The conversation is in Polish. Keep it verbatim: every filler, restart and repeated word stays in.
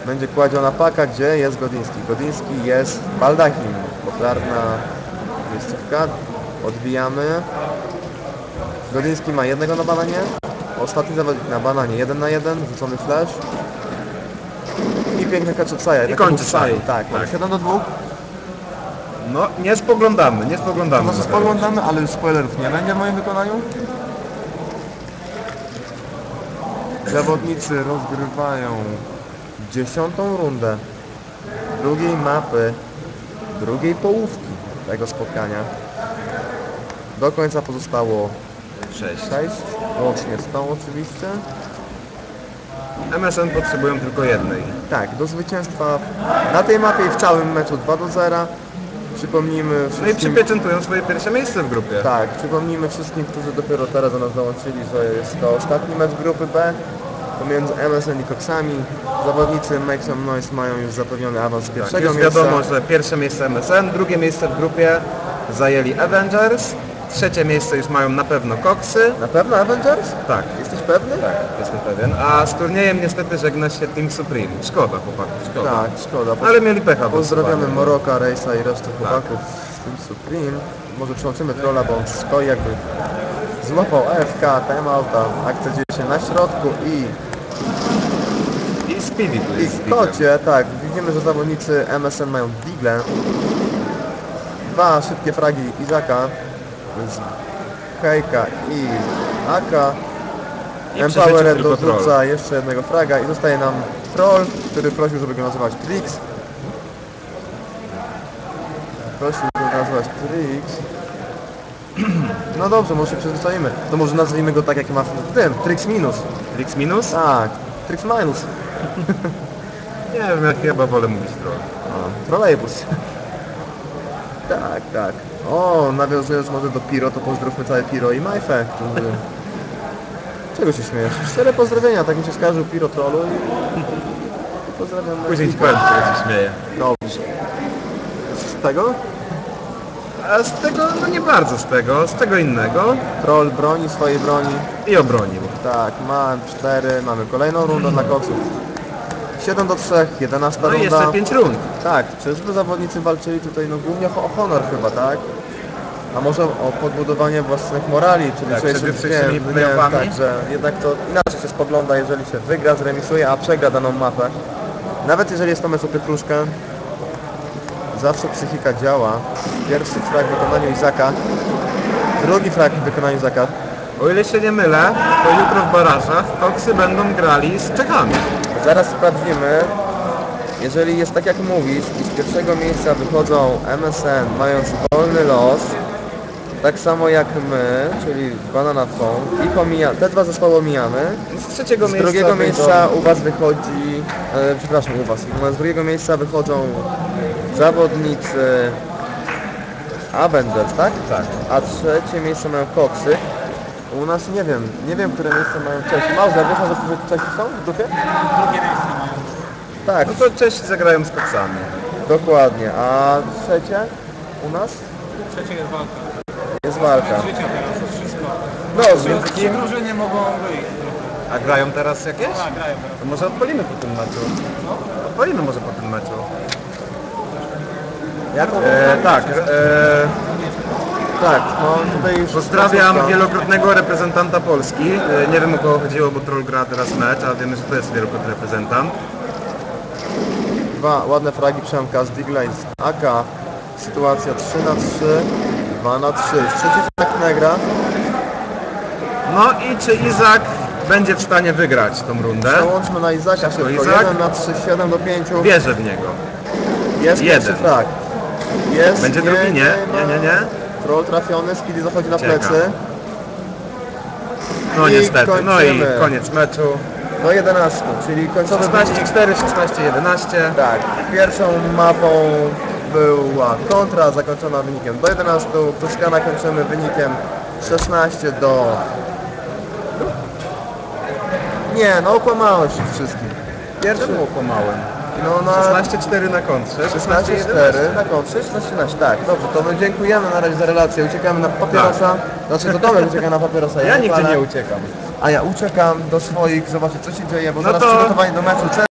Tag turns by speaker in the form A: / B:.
A: będzie kładziona paka, gdzie jest Godiński. Godiński jest Baldachim, popularna miejscówka. Odbijamy. Godiński ma jednego na bananie. Ostatni zawodnik na bananie, jeden na jeden, rzucony flash. I piękny catch od Saja.
B: I kończy Saju.
A: Tak, tak. siedem do dwóch.
B: No, nie spoglądamy, nie spoglądamy.
A: Może spoglądamy, ale już spoilerów nie będzie w moim wykonaniu. Zawodnicy rozgrywają dziesiątą rundę drugiej mapy, drugiej połówki tego spotkania. Do końca pozostało
B: sześć.
A: sześć, łącznie z tą oczywiście.
B: M S N potrzebują tylko jednej.
A: Tak, do zwycięstwa na tej mapie i w całym meczu dwa do zera. Przypomnijmy
B: No i
A: wszystkim...
B: przypieczętują swoje pierwsze miejsce w grupie.
A: Tak, przypomnijmy wszystkim, którzy dopiero teraz do nas dołączyli, że jest to ostatni mecz grupy B pomiędzy M S N i Coxami. Zawodnicy Make Some Noise mają już zapewniony awans z
B: Tak,
A: pierwszego
B: już
A: miejsca.
B: wiadomo, że pierwsze miejsce M S N, drugie miejsce w grupie zajęli Avengers, trzecie miejsce już mają na pewno Coxy.
A: Na pewno Avengers?
B: Tak,
A: Jesteś pewny?
B: tak, jestem pewien. A z turniejem niestety żegna się Team Supreme. Szkoda chłopaków, szkoda.
A: Tak, szkoda.
B: Ale mieli pecha.
A: Pozdrawiamy Moroka, Rejsa i resztę chłopaków z Team Supreme. Może przełączymy trolla, bo on stoi jakby złapał A F K, timeouta, akcja dzieje się na środku i
B: I Speedy tu
A: I
B: jest.
A: w kocie, tak, widzimy, że zawodnicy M S N mają digle. Dwa szybkie fragi Izaka z Hejka i Aka.
B: I
A: Empowered
B: przecież tylko
A: dorzuca
B: troll.
A: jeszcze jednego fraga i zostaje nam troll, który prosił, żeby go nazywać Trix. Prosił go nazywać Trix. No dobrze, może się przyzwyczajimy. To może nazwijmy go tak, jak ma w tym, Trix minus.
B: Trix minus?
A: Tak, Trix minus.
B: Nie wiem, ja chyba wolę mówić troll.
A: O, trolejbus. Tak, tak. O, nawiązując może do Piro, to pozdrówmy całe Piro i Majfę, którzy... Czego się śmiejesz? Cztery pozdrowienia, tak mi się skarżył Piro trollu i... i pozdrawiam
B: Później ci
A: Majfika.
B: powiem, kto się śmieje.
A: Dobrze. Z tego?
B: A z tego, no nie bardzo z tego, z tego innego.
A: Troll broni swojej broni.
B: I obronił.
A: Tak, ma cztery, mamy kolejną rundę dla koksów. siedem do trzech, jedenasta
B: No i
A: runda.
B: jeszcze pięć rund.
A: Tak, czyżby zawodnicy walczyli tutaj no głównie o honor chyba, tak? A może o podbudowanie własnych morali, czyli
B: Tak,
A: przejście
B: przed jutrzejszymi
A: nie, nie,
B: playoffami?
A: tak, że jednak to inaczej się spogląda, jeżeli się wygra, zremisuje, a przegra daną mapę. Nawet jeżeli jest to mecz o pietruszkę, zawsze psychika działa. Pierwszy frag w wykonaniu Izaka, drugi frag w wykonaniu Izaka.
B: O ile się nie mylę, to jutro w barażach Coxy będą grali z Czechami.
A: Zaraz sprawdzimy. Jeżeli jest tak jak mówisz i z pierwszego miejsca wychodzą M S N mając wolny los, tak samo jak my, czyli Banana Phone, i pomija, te dwa zespoły omijamy.
B: Z trzeciego
A: Z
B: miejsca
A: drugiego
B: wyjdą-
A: miejsca u Was wychodzi, e, przepraszam, u Was, z drugiego miejsca wychodzą zawodnicy Avengers, tak?
B: Tak.
A: A trzecie miejsce mają Coxy. U nas nie wiem, nie wiem, które miejsce mają Czesi. Mauza, wiesz, że Czesi są w grupie?
C: Drugie miejsce mają.
A: Tak,
B: No to Czesi zagrają z Coxami.
A: dokładnie. A trzecie u nas
C: Trzecie jest walka.
A: jest walka.
C: Życia teraz, to wszystko.
A: No,
C: Trzy,
A: więc
C: trzy drużyny mogą wyjść.
B: A grają teraz jakieś?
C: Tak, grają teraz.
B: To może odpalimy po tym meczu. Odpalimy może po tym meczu.
A: jaką?
B: E, tak, e,
A: Tak, no tutaj już...
B: pozdrawiam wielokrotnego reprezentanta Polski. E, nie wiem o kogo chodziło, bo Troll gra teraz mecz, a wiemy, że to jest wielokrotny reprezentant.
A: Dwa ładne fragi Przemka z Digla i z A K. Sytuacja trzy na trzy, dwa na trzy. Trzeci frag Negra.
B: No i czy Izak będzie w stanie wygrać tą rundę?
A: Przełączmy na Izaka szybko.
B: Izak?
A: jeden na trzy, siedem do pięciu.
B: Wierzę w niego.
A: Jest
B: jeden.
A: pierwszy frag. Jest,
B: Będzie drugi? Nie, nie, nie, nie.
A: Troll trafiony, Speedy zachodzi na
B: Czeka.
A: plecy.
B: No
A: I
B: niestety, no i
A: kończymy.
B: koniec meczu.
A: Do jedenastu, czyli końcowy
B: szesnaście cztery, szesnaście jedenaście.
A: Tak, pierwszą mapą była kontra zakończona wynikiem do jedenastu. Toskana kończymy wynikiem szesnaście do... Nie, no okłamałeś ich wszystkich. Pierwszy...
B: Czemu okłamałem?
A: No na...
B: szesnaście cztery na kontrze,
A: szesnaście cztery na kontrze, szesnaście jedenaście, tak, dobrze, to my dziękujemy na razie za relację, uciekamy na papierosa, znaczy to Tomek ucieka na papierosa,
B: Ja nigdzie
A: palę,
B: nie uciekam.
A: a ja uciekam do swoich, zobaczyć co się dzieje, bo
B: No
A: zaraz
B: to-
A: przygotowanie do meczu.